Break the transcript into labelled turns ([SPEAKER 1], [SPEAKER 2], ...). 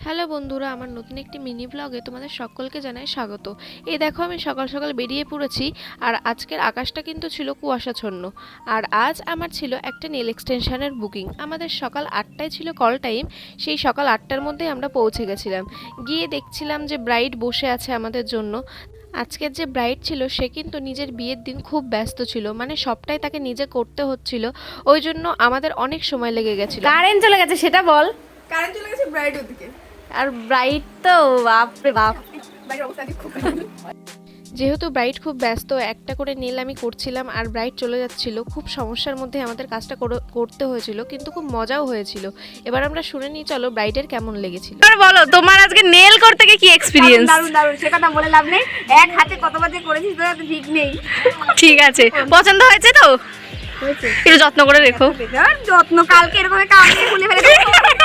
[SPEAKER 1] Hello বন্ধুরা, আমার নতুন একটি মিনি ব্লগে তোমাদের সকলকে জানাই স্বাগত। এই দেখো আমি সকাল সকাল বেরিয়ে পড়েছি, আর আজকের আকাশটা কিন্তু ছিল কুয়াশাচ্ছন্ন। আর আজ আমার ছিল একটা নেল এক্সটেনশনের বুকিং। আমাদের সকাল 8টায় ছিল কল টাইম, সেই সকাল 8টার মধ্যেই আমরা পৌঁছে গেছিলাম। গিয়ে দেখছিলাম যে ব্রাইড বসে আছে আমাদের জন্য। আজকের যে ব্রাইড ছিল সে কিন্তু নিজের বিয়ের দিন খুব ব্যস্ত ছিল, মানে সবটাই তাকে নিজে করতে হচ্ছিল, ওই জন্য আমাদের অনেক সময় লেগে গেছিল।
[SPEAKER 2] কারেন্ট চলে গেছে সেটা বল।
[SPEAKER 3] কারেন্ট চলে গেছে ব্রাইড ওদিকে।
[SPEAKER 2] আর ব্রাইট তো বাপরে বাপ।
[SPEAKER 3] বাইরের অবস্থা আজকে খুব খারাপ।
[SPEAKER 1] যেহেতু ব্রাইড খুব ব্যস্ত, একটা করে নেল আমি করছিলাম আর ব্রাইড চলে যাচ্ছিল। খুব সমস্যার মধ্যে আমাদের কাজটা করতে হয়েছিল, কিন্তু খুব মজাও হয়েছিল। এবার আমরা শুনে নিই, চলো ব্রাইডের কেমন লেগেছিল।
[SPEAKER 2] এবার বলো তোমার আজকে নেল করতে গিয়ে কি এক্সপিরিয়েন্স?
[SPEAKER 3] দারুণ দারুণ, সে কথা বলে লাভ নেই। এক হাতে কতবার যে করেছিস তোরা তো ঠিক নেই।
[SPEAKER 2] ঠিক আছে, পছন্দ হয়েছে তো? একটু যত্ন করে রেখো।
[SPEAKER 3] আর যত্ন, কালকে এরকম কালকে খুলে ফেলে